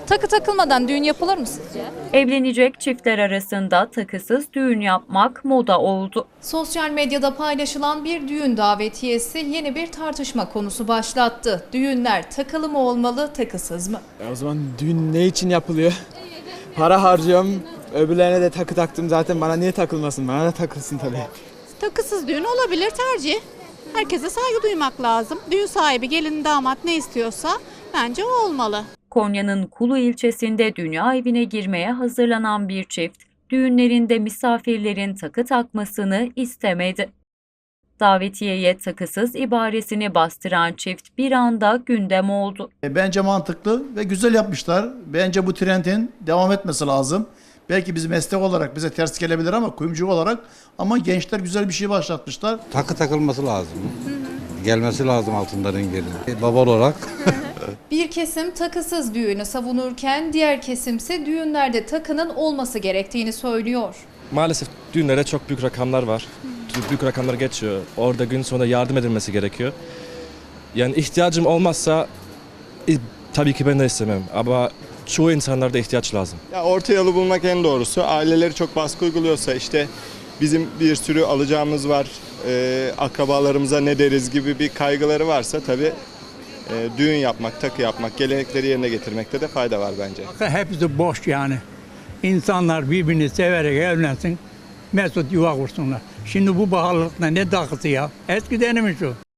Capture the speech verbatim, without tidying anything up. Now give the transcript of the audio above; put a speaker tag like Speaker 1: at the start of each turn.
Speaker 1: Takı takılmadan düğün yapılır mı sizce?
Speaker 2: Evlenecek çiftler arasında takısız düğün yapmak moda oldu.
Speaker 1: Sosyal medyada paylaşılan bir düğün davetiyesi yeni bir tartışma konusu başlattı. Düğünler takılı mı olmalı, takısız mı?
Speaker 3: E o zaman düğün ne için yapılıyor? Para harcıyorum, öbürlerine de takı taktım zaten, bana niye takılmasın? Bana da takılsın tabii.
Speaker 4: Takısız düğün olabilir, tercih. Herkese saygı duymak lazım. Düğün sahibi, gelin, damat ne istiyorsa bence o olmalı.
Speaker 2: Konya'nın Kulu ilçesinde dünya evine girmeye hazırlanan bir çift, düğünlerinde misafirlerin takı takmasını istemedi. Davetiyeye takısız ibaresini bastıran çift bir anda gündem oldu.
Speaker 5: Bence mantıklı ve güzel yapmışlar. Bence bu trendin devam etmesi lazım. Belki biz meslek olarak bize ters gelebilir ama kuyumcu olarak, ama gençler güzel bir şey başlatmışlar.
Speaker 6: Takı takılması lazım. Gelmesi lazım altınların geri. Baba olarak.
Speaker 1: Bir kesim takısız düğünü savunurken diğer kesimse düğünlerde takının olması gerektiğini söylüyor.
Speaker 7: Maalesef düğünlere çok büyük rakamlar var. Çok büyük rakamlar geçiyor. Orada gün sonunda yardım edilmesi gerekiyor. Yani ihtiyacım olmazsa e, tabii ki ben de istemem ama çoğu insanlarda ihtiyaç lazım.
Speaker 8: Ya orta yolu bulmak en doğrusu. Aileleri çok baskı uyguluyorsa, işte bizim bir sürü alacağımız var, e, akrabalarımıza ne deriz gibi bir kaygıları varsa tabii e, düğün yapmak, takı yapmak, gelenekleri yerine getirmekte de fayda var bence.
Speaker 9: Hepsi boş yani. İnsanlar birbirini severek evlensin, mesut yuva kursunlar. Şimdi bu pahalılıkla ne takısı ya? Eskiden mi şu?